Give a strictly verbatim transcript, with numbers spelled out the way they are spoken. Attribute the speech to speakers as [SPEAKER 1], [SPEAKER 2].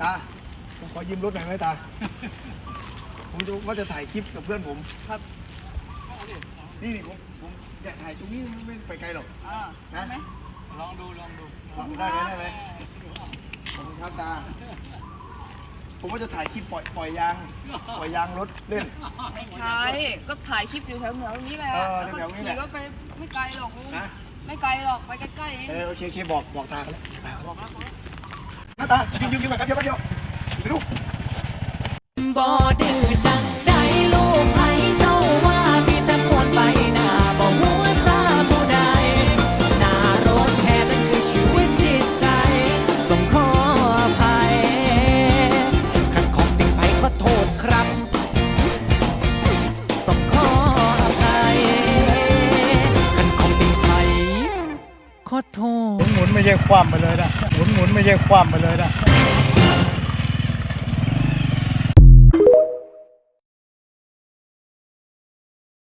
[SPEAKER 1] ตาผมขอยืมรถหน่อยไหมตาผมจะว่าจะถ่ายคลิปกับเพื่อนผมครับนี่นี่ผมผมอยากถ่ายตรงนี้ไม่ไปไกลหรอกนะลองดูลองดูได้ไหมได้ไหมขอบคุณครับตาผมว่าจะถ่ายคลิปปล่อยปล่อยยางปล่อยยางรถเล่น
[SPEAKER 2] ไม่ใช่ก็ถ่ายคลิปอยู่แถวเหนือตรงนี้แหละแล้วก็ขี่ก็ไปไม่ไกลหรอกนะไม่ไกลหรอกไปใกล้ๆเอง
[SPEAKER 1] เออโอเคโอเคบอกบอกตาแล้วบอกนะตายืมยืมยืมแบบเดียวแป๊บเดียวไปดู
[SPEAKER 3] บ่ดื้อจังได้ลูกไผเจ้าว่ามีแต่มวนไปหน้าบ่หัวซาผู้ใดหน้ารถแท้นั่นคือชีวิตจิตใจต้องขออภัยขันของติ่งไผขอโทษครับต้องขออภัยขันของติ่งไผขอโทษ
[SPEAKER 4] หมุนไม่ใช่ความไปเลยนะหมุนหมุนไม่ใช่ความไปเลยนะ